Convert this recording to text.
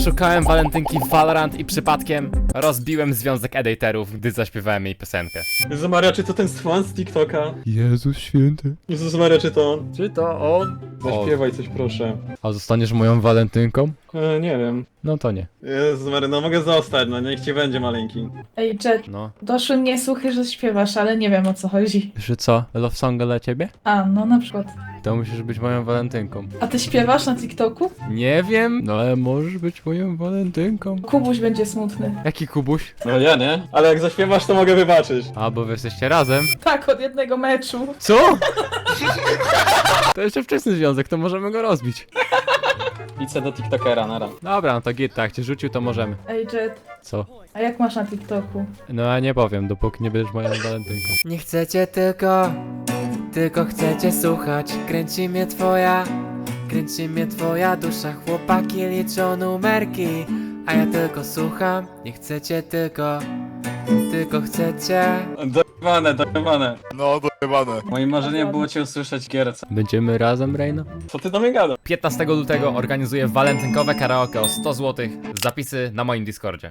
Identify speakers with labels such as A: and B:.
A: Szukałem walentynki w Valorant i przypadkiem rozbiłem związek editorów, gdy zaśpiewałem jej piosenkę.
B: Jezus Maria, czy to ten fan z TikToka?
A: Jezus święty.
B: Jezus Maria, czy to on?
A: Czy to on?
B: Zaśpiewaj coś proszę.
A: A zostaniesz moją walentynką?
B: Nie wiem.
A: No to nie.
B: Jezus Maria, no mogę zostać, no niech ci będzie maleńki.
C: Ej, Jet,
A: No.
C: doszły mnie słuchy, że śpiewasz, ale nie wiem o co chodzi.
A: Że co? Love songa dla ciebie?
C: A, no na przykład.
A: To musisz być moją walentynką.
C: A ty śpiewasz na TikToku?
A: Nie wiem, no ale możesz być moją walentynką.
C: Kubuś będzie smutny.
A: Jaki Kubuś?
B: No ja nie. Ale jak zaśpiewasz, to mogę wybaczyć.
A: A, bo wy jesteście razem.
C: Tak, od jednego meczu.
A: Co? To jeszcze wczesny związek, to możemy go rozbić.
B: Idź do TikTokera, nara.
A: Dobra, no to git, tak, cię rzucił, to możemy.
C: Ej, Jet,
A: Co?
C: a jak masz na TikToku?
A: No ja nie powiem, dopóki nie będziesz moją walentynką.
D: Nie chcecie tylko chcecie słuchać. Kręci mnie twoja dusza. Chłopaki liczą numerki, a ja tylko słucham. Nie chcecie tylko chcecie.
B: Dojebane.
E: No, dojebane.
B: Moim marzeniem było cię usłyszeć w gierce.
A: Będziemy razem, Reino?
B: Co ty do mnie gadasz?
A: 15 lutego organizuję walentynkowe karaoke o 100 zł. Zapisy na moim Discordzie.